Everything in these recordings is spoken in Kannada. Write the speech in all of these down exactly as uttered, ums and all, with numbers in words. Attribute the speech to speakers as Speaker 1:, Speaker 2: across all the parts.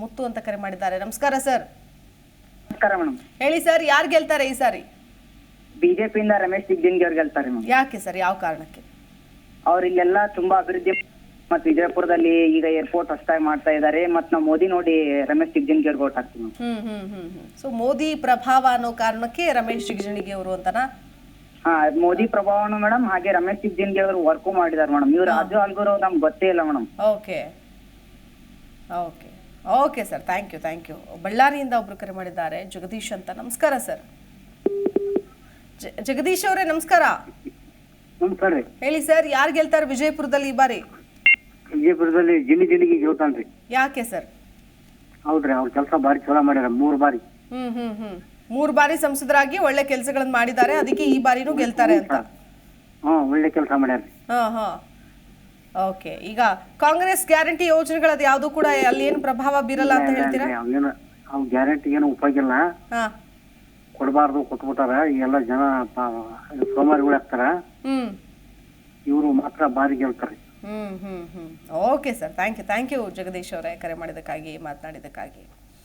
Speaker 1: ಮುತ್ತು ಅಂತ ಕರೆ ಮಾಡಿದ್ದಾರೆ. ನಮಸ್ಕಾರ ಸರ್.
Speaker 2: ನಮಸ್ಕಾರ ಮೇಡಮ್.
Speaker 1: ಹೇಳಿ ಸರ್, ಯಾರು ಗೆಲ್ತಾರೆ ಈ ಸಾರಿ?
Speaker 2: ಬಿಜೆಪಿಯಿಂದ ರಮೇಶ್ ಜಿಗಜಿಣಗಿ ಅವ್ರು ಗೆಲ್ತಾರೆ ಮೇಡಮ್.
Speaker 1: ಯಾಕೆ ಸರ್, ಯಾವ ಕಾರಣಕ್ಕೆ?
Speaker 2: ಅವ್ರು ಇಲ್ಲೆಲ್ಲ ತುಂಬಾ ಅಭಿವೃದ್ಧಿ ಮತ್ತು ವಿಜಯಪುರದಲ್ಲಿ ಈಗ ಏರ್ಪೋರ್ಟ್ ಹೊಸದಾಗಿ ಮಾಡ್ತಾ ಇದ್ದಾರೆ. ಮತ್ ನಾವು ಮೋದಿ ನೋಡಿ ರಮೇಶ್ ಜಿಗಜಿಣಗಿ ಅವ್ರಿಗೆ ಓಟ್ ಹಾಕ್ತೀವಿ.
Speaker 1: ಹ್ಮ್ ಹ್ಮ್ ಹ್ಮ್ ಹ್ಮ್ ಸೊ ಮೋದಿ ಪ್ರಭಾವ ಅನ್ನೋ ಕಾರಣಕ್ಕೆ ರಮೇಶ್ ಜಿಗಜಿಣಗಿ ಅವರು ಅಂತನಾ?
Speaker 2: ಹಾ, ಮೋದಿ ಪ್ರಭಾವನು ಮೇಡಮ್, ಹಾಗೆ ರಮೇಶ್ ಜಿಗಜಿಣಗಿ ಅವರು ವರ್ಕು ಮಾಡಿದಾರೆ ಮೇಡಮ್. ಇವ್ರು ರಾಜು ಆಲ್ಗೂರು ನಮ್ಗೆ ಗೊತ್ತೇ ಇಲ್ಲ madam.
Speaker 1: Okay okay okay sir, thank you thank you. ಬಳ್ಳಾರಿಯಿಂದ ಒಬ್ರು ಕರೆ ಮಾಡಿದ್ದಾರೆ, ಜಗದೀಶ್ ಅಂತ. ನಮಸ್ಕಾರ ಸರ್. ಜಗದೀಶ್ ಅವರೇ ನಮಸ್ಕಾರ.
Speaker 2: ನಮಸ್ಕಾರ ರೀ.
Speaker 1: ಹೇಳಿ ಸರ್, ಯಾರು ಗೆಲ್ತಾರೆ ವಿಜಯಪುರದಲ್ಲಿ ಈ ಬಾರಿ?
Speaker 2: ವಿಜಯಪುರದಲ್ಲಿ ಜಿನಿ ಜಿಣಿಗಿ ಗೆಲ್ತಾನ್ರಿ.
Speaker 1: ಯಾಕೆ ಸರ್?
Speaker 2: ಹೌದ್ರಿ, ಅವ್ರ ಕೆಲಸ ಬಾರಿ ಚಲೋ ಮಾಡ್ಯಾರ. ಮೂರ್ ಬಾರಿ
Speaker 1: ಹ್ಮ್ ಹ್ಮ್ ಹ್ಮ್ ಮೂರ್ ಬಾರಿ ಸಂಸದರಾಗಿ ಒಳ್ಳೆ ಕೆಲಸಗಳನ್ನ ಮಾಡಿದ್ದಾರೆ, ಅದಕ್ಕೆ ಈ ಬಾರಿನೂ ಗೆಲ್ತಾರೆ ಅಂತ.
Speaker 2: ಹಾ, ಒಳ್ಳೆ ಕೆಲಸ ಮಾಡ್ಯಾರ.
Speaker 1: ಹಾ ಹಾ ಓಕೆ. ಈಗ ಕಾಂಗ್ರೆಸ್ ಗ್ಯಾರಂಟಿ ಯೋಜನೆಗಳದ್ದು ಯಾವ್ದು ಕೂಡ ಅಲ್ಲಿ ಏನು ಪ್ರಭಾವ ಬೀರಲ್ಲ ಅಂತ ಹೇಳ್ತೀರಾ?
Speaker 2: ಅವ್ ಗ್ಯಾರಂಟಿ ಏನು ಉಪಯೋಗ ಇಲ್ಲ,
Speaker 1: ಹಾ
Speaker 2: ಕೊಡಬಾರ್ದು, ಕೊಟ್ಬಿಟ್ಟಾರ. ಎಲ್ಲ ಜನ ಸೋಮಾರಿಗಳು ಆಗ್ತಾರ.
Speaker 1: ಹ್ಮ್
Speaker 2: ಇವರು ಮಾತ್ರ ಬಾರಿ ಗೆಲ್ತಾರೆ.
Speaker 1: Hmm hmm hmm okay sir, thank you thank you Jagadish ಅವರೇ, ಕರೆ ಮಾಡಿದ್ದಕ್ಕಾಗಿ, ಮಾತನಾಡಿದ್ದಕ್ಕಾಗಿ.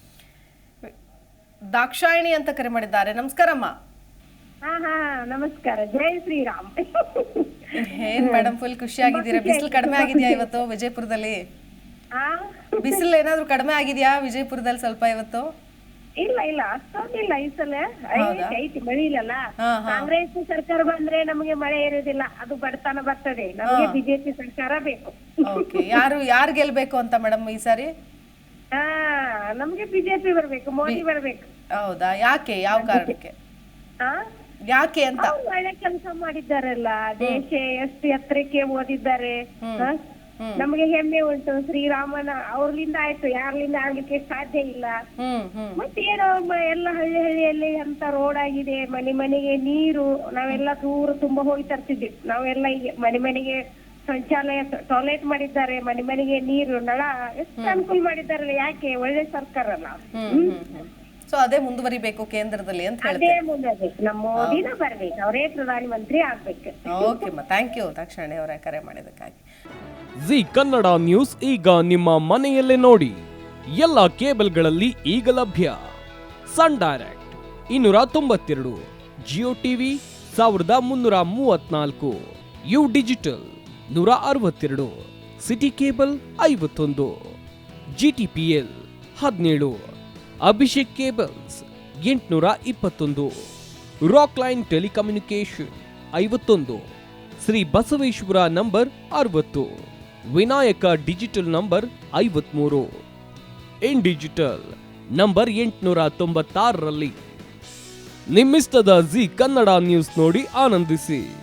Speaker 1: ದಾಕ್ಷಾಯಿಣಿ ಅಂತ ಕರೆ ಮಾಡಿದ್ದಾರೆ. ನಮಸ್ಕಾರಮ್ಮ.
Speaker 3: ಹಾ ಹಾ ನಮಸ್ಕಾರ. ಜೈ ಶ್ರೀರಾಮ್.
Speaker 1: ಏನ್ ಮೇಡಮ್ ಫುಲ್ ಖುಷಿ ಆಗಿದ್ದೀರಾ? ಬಿಸಿಲು ಕಡಿಮೆ ಆಗಿದ್ಯಾ ಇವತ್ತು ವಿಜಯಪುರದಲ್ಲಿ? ಬಿಸಿಲು ಏನಾದ್ರು ಕಡಿಮೆ ಆಗಿದ್ಯಾ ವಿಜಯಪುರದಲ್ಲಿ ಸ್ವಲ್ಪ ಇವತ್ತು?
Speaker 3: ಇಲ್ಲ ಇಲ್ಲ, ಅಷ್ಟೊಂದಿಲ್ಲ ಈ ಸಲ. ಐತಿ ಮಳಿ ಇಲ್ಲಲ್ಲ.
Speaker 1: ಹಾ, ಹಾ.
Speaker 3: ಕಾಂಗ್ರೆಸ್ ಸರ್ಕಾರ ಬಂದ್ರೆ ನಮಗೆ ಮಳೆ ಇರೋದಿಲ್ಲ, ಅದು ಬಡತನ ಬರ್ತದೆ. ನಮಗೆ ಬಿಜೆಪಿ ಸರ್ಕಾರ ಬೇಕು.
Speaker 1: ಓಕೆ, ಯಾರು ಯಾರು ಗೆಲ್ಬೇಕು ಅಂತ ಮೇಡಮ್ ಈ ಸಾರಿ?
Speaker 3: ಹಾ, ನಮ್ಗೆ ಬಿಜೆಪಿ ಬರ್ಬೇಕು, ಮೋದಿ ಬರ್ಬೇಕು.
Speaker 1: ಹೌದಾ? ಯಾಕೆ, ಯಾವ ಕಾರಣಕ್ಕೆ,
Speaker 3: ಹಾ
Speaker 1: ಯಾಕೆ ಅಂತ?
Speaker 3: ಅವ್ರು ಒಳ್ಳೆ ಕೆಲಸ ಮಾಡಿದ್ದಾರಲ್ಲ, ದೇಶ ಎಷ್ಟು ಎತ್ತರಕ್ಕೆ ಓದಿದ್ದಾರೆ. ಹ? ನಮಗೆ ಹೆಮ್ಮೆ ಉಂಟು. ಶ್ರೀರಾಮನ ಅವ್ರಲಿಂದ ಆಯ್ತು, ಯಾರ್ಲಿಂದ ಆಗ್ಲಿಕ್ಕೆ ಸಾಧ್ಯ ಇಲ್ಲ.
Speaker 1: ಹ್ಮ್ ಹ್ಮ್
Speaker 3: ಮತ್ತೇನೋ ಎಲ್ಲ ಹಳ್ಳಿ ಹಳ್ಳಿಯಲ್ಲಿ ಅಂತ ರೋಡ್ ಆಗಿದೆ, ಮನೆ ಮನೆಗೆ ನೀರು. ನಾವೆಲ್ಲ ದೂರ ತುಂಬಾ ಹೋಗಿ ತರ್ತಿದ್ವಿ. ನಾವೆಲ್ಲ ಈಗ ಮನೆ ಮನೆಗೆ ಶೌಚಾಲಯ, ಟಾಯ್ಲೆಟ್ ಮಾಡಿದ್ದಾರೆ, ಮನೆ ಮನೆಗೆ ನೀರು, ನಳ, ಎಷ್ಟು ಅನುಕೂಲ ಮಾಡಿದ್ದಾರಲ್ಲ. ಯಾಕೆ? ಒಳ್ಳೆ ಸರ್ಕಾರ ಅಲ್ಲ.
Speaker 1: ಸೊ ಅದೇ ಮುಂದುವರಿಬೇಕು ಕೇಂದ್ರದಲ್ಲಿ ಅಂತ
Speaker 3: ಅದೇ
Speaker 1: ಹೇಳ್ತಾರೆ.
Speaker 3: ಮುಂದೆ ನಮ್ಮ ಮೋದಿನ ಬರ್ಬೇಕು, ಅವರೇ ಪ್ರಧಾನ ಮಂತ್ರಿ ಆಗ್ಬೇಕು.
Speaker 1: ಓಕೆ ಅಮ್ಮ, ಥ್ಯಾಂಕ್ ಯು ದಾಕ್ಷಾಯಿಣಿ ಅವರೇ, ಕರೆ ಮಾಡಿದ್ದಕ್ಕಾಗಿ.
Speaker 4: ಜಿ ಕನ್ನಡ ನ್ಯೂಸ್ ಈಗ ನಿಮ್ಮ ಮನೆಯಲ್ಲೇ ನೋಡಿ. ಎಲ್ಲ ಕೇಬಲ್ಗಳಲ್ಲಿ ಈಗ ಲಭ್ಯ. ಸನ್ ಡೈರೆಕ್ಟ್ ಇನ್ನೂರ ತೊಂಬತ್ತೆರಡು, ಜಿಯೋ ಟಿವಿ ಸಾವಿರದ ಮುನ್ನೂರ ಮೂವತ್ನಾಲ್ಕು, ಯು ಡಿಜಿಟಲ್ ನೂರ ಅರವತ್ತೆರಡು, ಸಿಟಿ ಕೇಬಲ್ ಐವತ್ತೊಂದು, ಜಿಟಿಪಿಎಲ್ ಹದಿನೇಳು, ಅಭಿಷೇಕ್ ಕೇಬಲ್ಸ್ ಎಂಟುನೂರ ಇಪ್ಪತ್ತೊಂದು, ರಾಕ್ ಲೈನ್ ಟೆಲಿಕಮ್ಯುನಿಕೇಶನ್ ಐವತ್ತೊಂದು, ಶ್ರೀ ಬಸವೇಶ್ವರ ನಂಬರ್ ಅರವತ್ತು, ವಿನಾಯಕ ಡಿಜಿಟಲ್ ನಂಬರ್ ಐವತ್ಮೂರು, ಇನ್ ಡಿಜಿಟಲ್ ನಂಬರ್ ಎಂಟುನೂರ ತೊಂಬತ್ತಾರರಲ್ಲಿ. ನಿಮ್ಮಿಸ್ತದ ಜಿ ಕನ್ನಡ ನ್ಯೂಸ್ ನೋಡಿ ಆನಂದಿಸಿ.